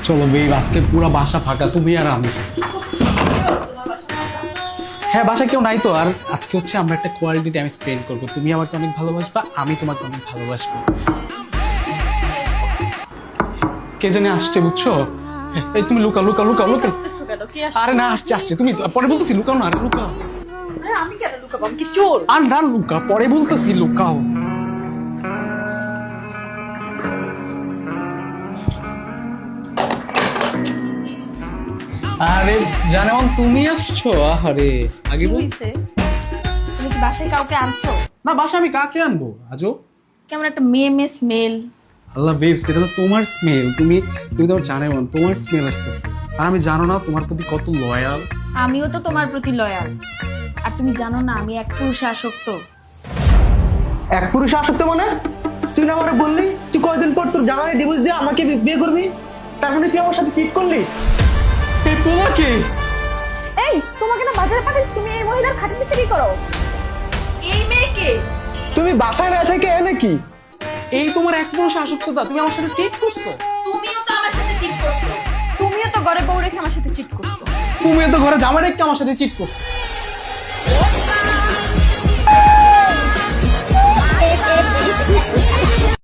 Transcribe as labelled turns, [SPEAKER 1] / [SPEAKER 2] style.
[SPEAKER 1] চলো বেব, আজকে পুরো বাসা ফাঁকা, তুমি আর আমি। হ্যাঁ, বাসা কেউ নাই তো। আর আজকে হচ্ছে আমরা একটা কোয়ালিটি টাইম স্পেন্ড করবো। তুমি আমাকে অনেক ভালোবাসবা, আমি তোমাকে অনেক ভালোবাসবো। কে জানে আসছে, বুঝছো? এই তুমি লুকাও লুকাও লুকাও লুকাও। আরে না, আসছে আসছে, তুমি পরে বলতেছি, লুকাও না, আরে লুকাও।
[SPEAKER 2] আমি কেন লুকাবো? আমি কি চোর?
[SPEAKER 1] আর না লুকা, পরে বলতেছি, লুকাও। আরে জানেমন, তুমি আসছো? আরে আগে
[SPEAKER 2] কি
[SPEAKER 1] বল।
[SPEAKER 2] হইছে? তুমি কি বাসায় কাউকে আনছো?
[SPEAKER 1] না, বাসা আমি কাকে আনবো আজও?
[SPEAKER 2] কেমন একটা মেয়ে স্মেল।
[SPEAKER 1] আল্লাহ বেবস, এটা তো তোমার স্মেল। তুমি তুমি তো জানেমন, তোমার স্মেল আসতেছে। আর আমি জানো না তোমার প্রতি কত লয়াল।
[SPEAKER 2] আমিও তো তোমার প্রতি লয়াল। আর তুমি জানো না আমি এক পুরুষে আসক্ত।
[SPEAKER 3] এক পুরুষে আসক্ত মানে? তুই না আমারে বললি তুই কয়দিন পর তোর জামাই ডিভোর্স দিয়ে আমাকে বিয়ে করবি, তার মানে তুই আমার সাথে চিট করলি?
[SPEAKER 1] এই তোমাকে?
[SPEAKER 2] এই তোমাকে না বাজারে পাঠিয়েছি, তুমি এই মহিলার খাটের নিচে কি করো? এই মেয়েকে
[SPEAKER 3] তুমি বাসায় না থেকে নাকি?
[SPEAKER 1] এই তোমার এক পুরুষ আসক্ততা, তুমি আমার সাথে চিট করছো।
[SPEAKER 2] তুমিও তো আমার সাথে চিট করছো। তুমিও তো ঘরে বউ রেখে আমার সাথে চিট করছো।
[SPEAKER 1] তুমি তো ঘরে জামা রেখে আমার সাথে চিট করছো।